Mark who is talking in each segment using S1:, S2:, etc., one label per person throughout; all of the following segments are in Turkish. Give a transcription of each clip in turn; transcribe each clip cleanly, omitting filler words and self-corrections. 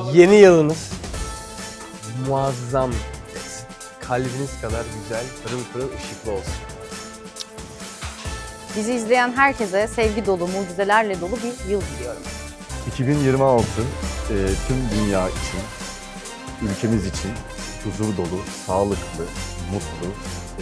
S1: Yeni yılınız muazzam geçsin. Kalbiniz kadar güzel, pırıl pırıl ışıklı olsun.
S2: Bizi izleyen herkese sevgi dolu, mucizelerle dolu bir yıl diliyorum.
S3: 2026 tüm dünya için, ülkemiz için huzur dolu, sağlıklı, mutlu,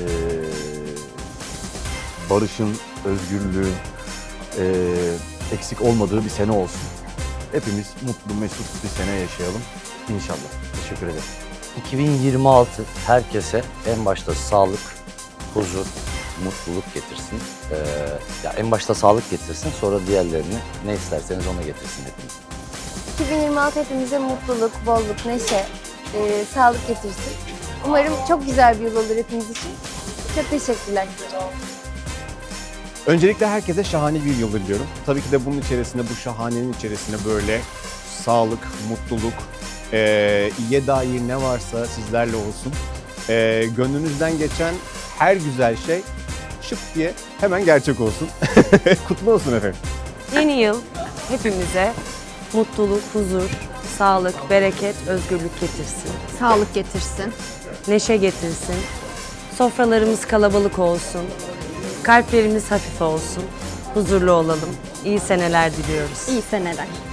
S3: barışın, özgürlüğün eksik olmadığı bir sene olsun. Hepimiz mutlu, mesut bir sene yaşayalım inşallah. Teşekkür ederim.
S4: 2026 herkese en başta sağlık, huzur, mutluluk getirsin. Ya en başta sağlık getirsin, sonra diğerlerini ne isterseniz ona getirsin hepiniz.
S5: 2026 hepimize mutluluk, bolluk, neşe, sağlık getirsin. Umarım çok güzel bir yıl olur hepimiz için. Çok teşekkürler.
S6: Öncelikle herkese şahane bir yıl diliyorum. Tabii ki de bunun içerisinde, bu şahanenin içerisinde böyle sağlık, mutluluk, iyiye dair ne varsa sizlerle olsun. Gönlünüzden geçen her güzel şey şıp diye hemen gerçek olsun. Kutlu olsun efendim.
S7: Yeni yıl hepimize mutluluk, huzur, sağlık, bereket, özgürlük getirsin.
S2: Sağlık getirsin.
S7: Neşe getirsin. Sofralarımız kalabalık olsun. Kalplerimiz hafif olsun. Huzurlu olalım. İyi seneler diliyoruz.
S2: İyi seneler.